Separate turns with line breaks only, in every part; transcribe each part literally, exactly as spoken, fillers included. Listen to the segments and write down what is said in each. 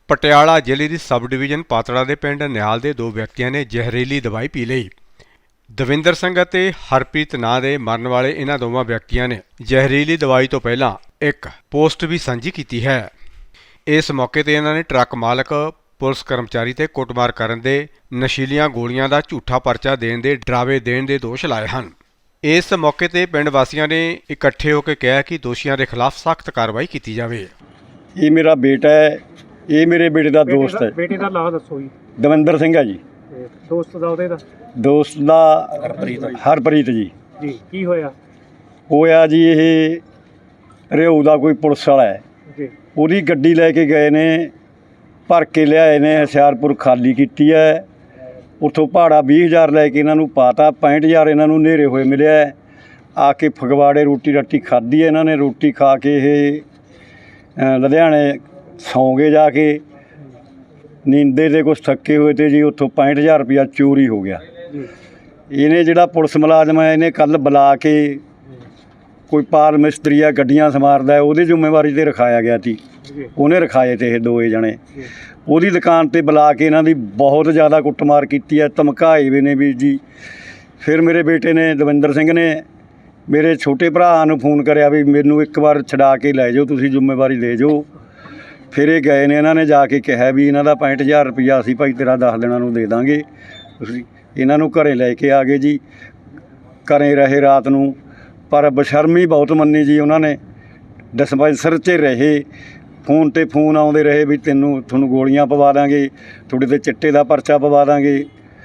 ਪਟਿਆਲਾ ਜ਼ਿਲ੍ਹੇ ਦੀ sub division Patran ਦੇ ਪਿੰਡ ਨਿਹਾਲ ਦੇ ਦੋ ਵਿਅਕਤੀਆਂ ਨੇ ਜ਼ਹਿਰੀਲੀ ਦਵਾਈ ਪੀ ਲਈ। ਦਵਿੰਦਰ ਸਿੰਘ ਅਤੇ ਹਰਪ੍ਰੀਤ ਨਾਂ ਦੇ ਮਰਨ ਵਾਲੇ ਇਹਨਾਂ ਦੋਵਾਂ ਵਿਅਕਤੀਆਂ ਨੇ ਜ਼ਹਿਰੀਲੀ ਦਵਾਈ ਤੋਂ ਪਹਿਲਾਂ ਇੱਕ ਪੋਸਟ ਵੀ ਸਾਂਝੀ ਕੀਤੀ ਹੈ। ਇਸ ਮੌਕੇ ਤੇ ਇਹਨਾਂ ਨੇ ਟਰੱਕ ਮਾਲਕ, ਪੁਲਿਸ ਕਰਮਚਾਰੀ ਤੇ ਕੁੱਟਮਾਰ ਕਰਨ ਦੇ, ਨਸ਼ੀਲੀਆਂ ਗੋਲੀਆਂ ਦਾ ਝੂਠਾ ਪਰਚਾ ਦੇਣ ਦੇ ਡਰਾਵੇ ਦੇਣ ਦੇ ਦੋਸ਼ ਲਾਏ ਹਨ। ਇਸ ਮੌਕੇ ਤੇ ਪਿੰਡ ਵਾਸੀਆਂ ਨੇ ਇਕੱਠੇ ਹੋ ਕੇ ਕਿਹਾ ਕਿ ਦੋਸ਼ੀਆਂ ਦੇ ਖਿਲਾਫ ਸਖਤ ਕਾਰਵਾਈ ਕੀਤੀ ਜਾਵੇ।
ਇਹ ਮੇਰਾ ਬੇਟਾ ਹੈ, ਇਹ ਮੇਰੇ ਬੇਟੇ ਦਾ ਦੋਸਤ ਹੈ।
ਬੇਟੇ ਦਾ ਨਾਮ ਦੱਸੋ ਜੀ।
ਦਵਿੰਦਰ ਸਿੰਘ ਹੈ ਜੀ।
ਦੋਸਤ ਦਾ ਉਹਦੇ ਦਾ
ਦੋਸਤ ਦਾ ਹਰਪ੍ਰੀਤ ਹਰਪ੍ਰੀਤ ਜੀ।
ਜੀ ਕੀ ਹੋਇਆ?
ਹੋਇਆ ਜੀ ਇਹ ਰਿਓ ਦਾ ਕੋਈ ਪੁਲਿਸ ਵਾਲਾ ਹੈ
ਜੀ,
ਉਹਦੀ ਗੱਡੀ ਲੈ ਕੇ ਗਏ ਨੇ, ਭਰ ਕੇ ਲਿਆਏ ਨੇ, ਹੁਸ਼ਿਆਰਪੁਰ ਖਾਲੀ ਕੀਤੀ ਹੈ। ਉੱਥੋਂ ਭਾੜਾ ਵੀਹ ਹਜ਼ਾਰ ਲੈ ਕੇ ਇਹਨਾਂ ਨੂੰ ਪਾਤਾ, ਪੈਂਹਠ ਹਜ਼ਾਰ ਇਹਨਾਂ ਨੂੰ ਨੇਰੇ ਹੋਏ ਮਿਲਿਆ। ਆ ਕੇ ਫਗਵਾੜੇ ਰੋਟੀ ਰਾਟੀ ਖਾਧੀ ਹੈ ਇਹਨਾਂ ਨੇ। ਰੋਟੀ ਖਾ ਕੇ ਇਹ ਲੁਧਿਆਣੇ ਸੌਂ ਗਏ ਜਾ ਕੇ, ਨੀਂਦੇ ਦੇ ਕੁਛ ਥੱਕੇ ਹੋਏ ਤੇ ਜੀ ਉੱਥੋਂ ਪੈਂਹਠ ਹਜ਼ਾਰ ਰੁਪਇਆ ਚੋਰੀ ਹੋ ਗਿਆ। ਇਹਨੇ ਜਿਹੜਾ ਪੁਲਿਸ ਮੁਲਾਜ਼ਮ ਹੈ ਇਹਨੇ ਕੱਲ੍ਹ ਬੁਲਾ ਕੇ, ਕੋਈ ਪਾਲ ਮਿਸਤਰੀ ਆ ਗੱਡੀਆਂ ਸਮਾਰਦਾ, ਉਹਦੀ ਜ਼ਿੰਮੇਵਾਰੀ 'ਤੇ ਰਖਾਇਆ ਗਿਆ ਸੀ। ਉਹਨੇ ਰਖਾਏ ਤੇ ਇਹ ਦੋਏ ਜਣੇ ਉਹਦੀ ਦੁਕਾਨ 'ਤੇ ਬੁਲਾ ਕੇ ਇਹਨਾਂ ਦੀ ਬਹੁਤ ਜ਼ਿਆਦਾ ਕੁੱਟਮਾਰ ਕੀਤੀ ਹੈ, ਧਮਕਾਏ ਵੀ ਨੇ ਵੀਰ ਜੀ। ਫਿਰ ਮੇਰੇ ਬੇਟੇ ਨੇ, ਦਵਿੰਦਰ ਸਿੰਘ ਨੇ, ਮੇਰੇ ਛੋਟੇ ਭਰਾ ਨੂੰ ਫੋਨ ਕਰਿਆ ਵੀ ਮੈਨੂੰ ਇੱਕ ਵਾਰ ਛਡਾ ਕੇ ਲੈ ਜਾਓ, ਤੁਸੀਂ ਜ਼ਿੰਮੇਵਾਰੀ ਲੈ ਜਾਓ। ਫਿਰ ਇਹ ਗਏ ਨੇ, ਇਹਨਾਂ ਨੇ ਜਾ ਕੇ ਕਿਹਾ ਵੀ ਇਹਨਾਂ ਦਾ ਪੈਂਹਠ ਹਜ਼ਾਰ ਰੁਪਈਆ ਅਸੀਂ ਭਾਈ ਤੇਰਾ ਦਸ ਦਿਨਾਂ ਨੂੰ ਦੇ ਦਾਂਗੇ। ਤੁਸੀਂ ਇਹਨਾਂ ਨੂੰ ਘਰੇ ਲੈ ਕੇ ਆ ਗਏ ਜੀ। ਘਰੇ ਰਹੇ ਰਾਤ ਨੂੰ, ਪਰ ਬਸ਼ਰਮੀ ਬਹੁਤ ਮੰਨੀ ਜੀ ਉਹਨਾਂ ਨੇ। ਡਿਸਪੈਂਸਰ 'ਚ ਰਹੇ, ਫੋਨ 'ਤੇ ਫੋਨ ਆਉਂਦੇ ਰਹੇ ਵੀ ਤੈਨੂੰ ਤੁਹਾਨੂੰ ਗੋਲੀਆਂ ਪਵਾ ਦਾਂਗੇ, ਤੁਹਾਡੇ 'ਤੇ ਚਿੱਟੇ ਦਾ ਪਰਚਾ ਪਵਾ ਦਾਂਗੇ,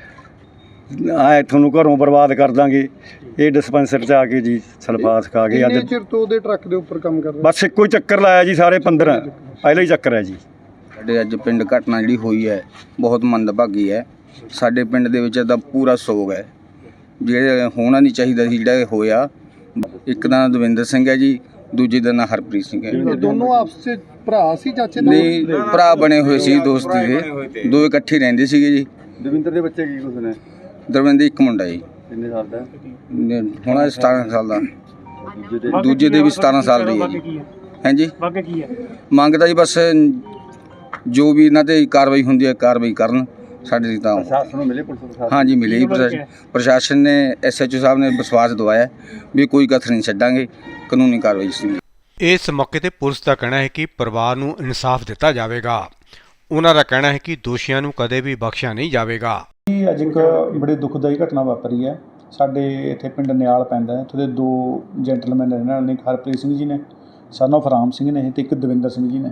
ਐ ਤੁਹਾਨੂੰ ਘਰੋਂ ਬਰਬਾਦ ਕਰ ਦਾਂਗੇ। ਇਹ ਡਿਸਪੈਂਸਰ 'ਚ ਆ ਕੇ ਜੀ ਸਲਫਾਸ ਖਾ ਕੇ ਅੱਜ
ਚਿਰ ਤੋਂ ਉਹਦੇ ਟਰੱਕ ਦੇ ਉੱਪਰ ਕੰਮ ਕਰਦਾ।
ਬਸ ਇੱਕੋ ਹੀ ਚੱਕਰ ਲਾਇਆ ਜੀ, ਸਾਰੇ ਪੰਦਰਾਂ ਪਹਿਲਾਂ ਹੀ ਚੱਕਰ ਹੈ ਜੀ।
ਸਾਡੇ ਅੱਜ ਪਿੰਡ ਘਟਨਾ ਜਿਹੜੀ ਹੋਈ ਹੈ ਬਹੁਤ ਮੰਦਭਾਗੀ ਹੈ। ਸਾਡੇ ਪਿੰਡ ਦੇ ਵਿੱਚ ਤਾਂ ਪੂਰਾ ਸੋਗ ਹੈ, ਜਿਹੜੇ ਹੋਣਾ ਨਹੀਂ ਚਾਹੀਦਾ ਸੀ ਜਿਹੜਾ ਇਹ ਹੋਇਆ। ਇੱਕ ਦਾ ਦਵਿੰਦਰ ਸਿੰਘ ਹੈ ਜੀ, ਦੂਜੇ ਦਾ ਨਾਂ ਹਰਪ੍ਰੀਤ ਸਿੰਘ ਹੈ।
ਇਹ ਦੋਨੋਂ ਆਪਸ ਵਿੱਚ ਭਰਾ ਸੀ, ਚਾਚੇ ਤਾਏ?
ਨਹੀਂ, ਭਰਾ ਬਣੇ ਹੋਏ ਸੀ, ਦੋਸਤੀ ਦੇ ਦੋ ਇਕੱਠੇ ਰਹਿੰਦੇ ਸੀਗੇ ਜੀ।
ਦਵਿੰਦਰ ਦੇ ਬੱਚੇ ਕੀ ਕੁਛ ਨੇ?
ਦਰਵਿੰਦਰ ਇੱਕ ਮੁੰਡਾ ਜੀ,
ਕਿੰਨੇ ਸਾਲ ਦਾ?
ਹੁਣ ਸਤਾਰਾਂ ਸਾਲ ਦਾ। ਦੂਜੇ ਦੇ ਵੀ ਸਤਾਰਾਂ ਸਾਲ ਦੀ ਹੈ ਜੀ। ਹਾਂਜੀ,
ਮੰਗ ਕੀ ਹੈ?
ਮੰਗਦਾ ਜੀ ਬਸ ਜੋ ਵੀ ਇਹਨਾਂ 'ਤੇ ਕਾਰਵਾਈ ਹੁੰਦੀ ਹੈ ਕਾਰਵਾਈ ਕਰਨ। ਸਾਡੇ ਤਾਂ
ਪ੍ਰਸ਼ਾਸਨ ਨੂੰ ਮਿਲੇ, ਪੁਲਿਸ ਪ੍ਰਸ਼ਾਸਨ?
ਹਾਂਜੀ ਮਿਲੇ ਜੀ। ਪ੍ਰਸ਼ਾਸਨ ਪ੍ਰਸ਼ਾਸਨ ਨੇ, ਐਸ ਐਚ ਓ ਸਾਹਿਬ ਨੇ ਵਿਸ਼ਵਾਸ ਦਵਾਇਆ ਵੀ ਕੋਈ ਕਥਰ ਨਹੀਂ ਛੱਡਾਂਗੇ, ਕਾਨੂੰਨੀ ਕਾਰਵਾਈ ਸੀ।
ਇਸ ਮੌਕੇ ਤੇ ਪੁਲਿਸ ਦਾ ਕਹਿਣਾ ਹੈ ਕਿ ਪਰਿਵਾਰ ਨੂੰ ਇਨਸਾਫ ਦਿੱਤਾ ਜਾਵੇਗਾ। ਉਹਨਾਂ ਦਾ ਕਹਿਣਾ ਹੈ ਕਿ ਦੋਸ਼ੀਆਂ ਨੂੰ ਕਦੇ ਵੀ ਬਖਸ਼ਿਆ ਨਹੀਂ ਜਾਵੇਗਾ।
ਅੱਜ ਇੱਕ ਬੜੀ ਦੁਖਦਾਈ ਘਟਨਾ ਵਾਪਰੀ ਹੈ ਸਾਡੇ ਇੱਥੇ ਪਿੰਡ ਨਿਆਲ ਪੈਂਦਾ ਹੈ। ਇੱਥੋਂ ਦੇ ਦੋ ਜੈਂਟਲਮੈਨ ਨੇ, ਇਹਨਾਂ ਨੇ, ਇੱਕ ਹਰਪ੍ਰੀਤ ਸਿੰਘ ਜੀ ਨੇ, ਸਨ ਆਫ ਰਾਮ ਸਿੰਘ ਨੇ, ਅਤੇ ਇੱਕ ਦਵਿੰਦਰ ਸਿੰਘ ਜੀ ਨੇ।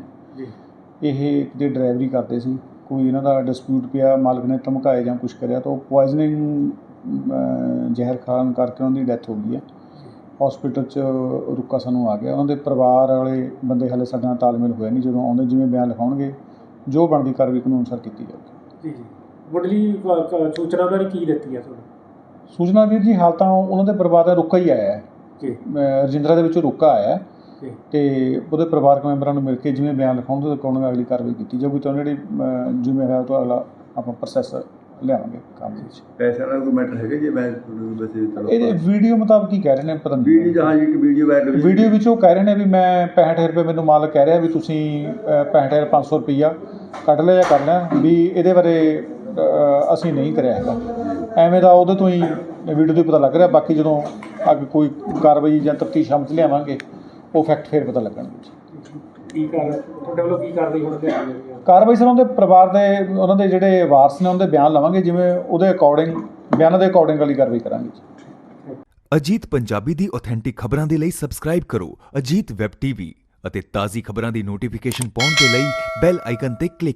ਇਹ ਕਿਤੇ ਡਰਾਈਵਰੀ ਕਰਦੇ ਸੀ, ਕੋਈ ਇਹਨਾਂ ਦਾ ਡਿਸਪਿਊਟ ਪਿਆ, ਮਾਲਕ ਨੇ ਧਮਕਾਏ ਜਾਂ ਕੁਛ ਕਰਿਆ ਤਾਂ ਉਹ ਪੁਆਇਜ਼ਨਿੰਗ ਜ਼ਹਿਰ ਖਾਣ ਕਰਕੇ ਉਹਨਾਂ ਦੀ ਡੈਥ ਹੋ ਗਈ ਹੈ। ਹੌਸਪੀਟਲ 'ਚ ਰੁਕਾ ਸਾਨੂੰ ਆ ਗਿਆ। ਉਹਨਾਂ ਦੇ ਪਰਿਵਾਰ ਵਾਲੇ ਬੰਦੇ ਹਾਲੇ ਸਾਡੇ ਨਾਲ ਤਾਲਮੇਲ ਹੋਇਆ ਨਹੀਂ, ਜਦੋਂ ਆਉਂਦੇ ਜਿਵੇਂ ਬਿਆਨ ਲਿਖਾਉਣਗੇ ਜੋ ਬਣਦੀ ਕਾਰਵਾਈ ਕਾਨੂੰਨ ਅਨੁਸਾਰ ਕੀਤੀ ਜਾਵੇਗੀ। ਜੀ ਜੀ ਮੁੱਢਲੀ ਸੂਚਨਾ ਬਾਰੇ ਕੀ ਦਿੱਤੀ ਹੈ ਤੁਹਾਨੂੰ? ਸੂਚਨਾ ਵੀਰ ਜੀ ਹਾਲ ਤਾਂ ਉਹਨਾਂ ਦੇ ਪਰਿਵਾਰ ਦਾ ਰੁਕਾ ਹੀ ਆਇਆ ਹੈ ਜੀ, ਰਜਿੰਦਰਾ ਦੇ ਵਿੱਚੋਂ ਰੁਕਾ ਆਇਆ ਅਤੇ ਉਹਦੇ ਪਰਿਵਾਰਕ ਮੈਂਬਰਾਂ ਨੂੰ ਮਿਲ ਕੇ ਜਿਵੇਂ ਬਿਆਨ ਲਿਖਾਉਣ ਤੋਂ ਅਕੋਰਡਿੰਗ ਅਗਲੀ ਕਾਰਵਾਈ ਕੀਤੀ ਜਾਊਗੀ। ਤਾਂ ਜਿਹੜੀ ਜਿਵੇਂ ਹੋਇਆ ਉਹ ਤੋਂ ਅਗਲਾ ਆਪਾਂ ਪ੍ਰੋਸੈਸ ਲਿਆਵਾਂਗੇ ਕੰਮ ਦੇ ਵਿੱਚ।
ਪੈਸੇ ਵਾਲਾ ਕੋਈ ਮੈਟਰ ਹੈਗਾ ਜੀ? ਮੈਂ
ਇਹਦੇ ਵੀਡੀਓ ਮੁਤਾਬਕ ਹੀ ਕਹਿ ਰਹੇ ਨੇ, ਪਤਾ ਨਹੀਂ
ਵੀਡੀਓ, ਹਾਂ ਜੀ, ਇੱਕ ਵੀਡੀਓ ਵਾਇਰਲ
ਵੀਡੀਓ ਵਿੱਚ ਉਹ ਕਹਿ ਰਹੇ ਨੇ ਵੀ ਮੈਂ ਪੈਂਹਠ ਰੁਪਏ ਮੈਨੂੰ ਮਾਲਕ ਕਹਿ ਰਿਹਾ ਵੀ ਤੁਸੀਂ ਪੈਂਹਠ ਹਜ਼ਾਰ ਪੰਜ ਸੌ ਰੁਪਈਆ ਕੱਢ ਲਿਆ ਜਾਂ ਕਰ ਲਿਆ, ਵੀ ਇਹਦੇ ਬਾਰੇ ਅਸੀਂ ਨਹੀਂ ਕਰਿਆ ਹੈਗਾ। ਐਵੇਂ ਦਾ ਉਹਦੇ ਤੋਂ ਹੀ ਵੀਡੀਓ ਤੋਂ ਪਤਾ ਲੱਗ ਰਿਹਾ। ਬਾਕੀ ਜਦੋਂ ਅੱਗੇ ਕੋਈ ਕਾਰਵਾਈ ਜਾਂ ਤਫਤੀਸ਼ ਸ਼ਾਮ 'ਚ ਲਿਆਵਾਂਗੇ ਉਹ ਫੈਕਟ ਫਿਰ ਪਤਾ ਲੱਗਣਗੇ। ਕੀ ਕਰ ਤੁਹਾਡੇ ਵੱਲੋਂ ਕੀ ਕਾਰਵਾਈ ਹੋਣੀ ਚਾਹੀਦੀ ਹੈ? ਕਾਰਵਾਈ ਸਰ ਉਹਦੇ ਪਰਿਵਾਰ ਦੇ, ਉਹਨਾਂ ਦੇ ਜਿਹੜੇ ਵਾਰਸ ਨੇ ਉਹਨਾਂ ਦੇ ਬਿਆਨ ਲਵਾਂਗੇ, ਜਿਵੇਂ ਉਹਦੇ ਅਕੋਰਡਿੰਗ ਬਿਆਨਾਂ ਦੇ ਅਕੋਰਡਿੰਗ ਵਾਲੀ ਕਾਰਵਾਈ ਕਰਾਂਗੇ।
ਅਜੀਤ ਪੰਜਾਬੀ ਦੀ ਆਥੈਂਟਿਕ ਖਬਰਾਂ ਦੇ ਲਈ ਸਬਸਕ੍ਰਾਈਬ ਕਰੋ ਅਜੀਤ ਵੈਬ ਟੀਵੀ ਅਤੇ ਤਾਜ਼ੀ ਖਬਰਾਂ ਦੀ ਨੋਟੀਫਿਕੇਸ਼ਨ ਪਾਉਣ ਦੇ ਲਈ ਬੈਲ ਆਈਕਨ ਤੇ ਕਲਿੱਕ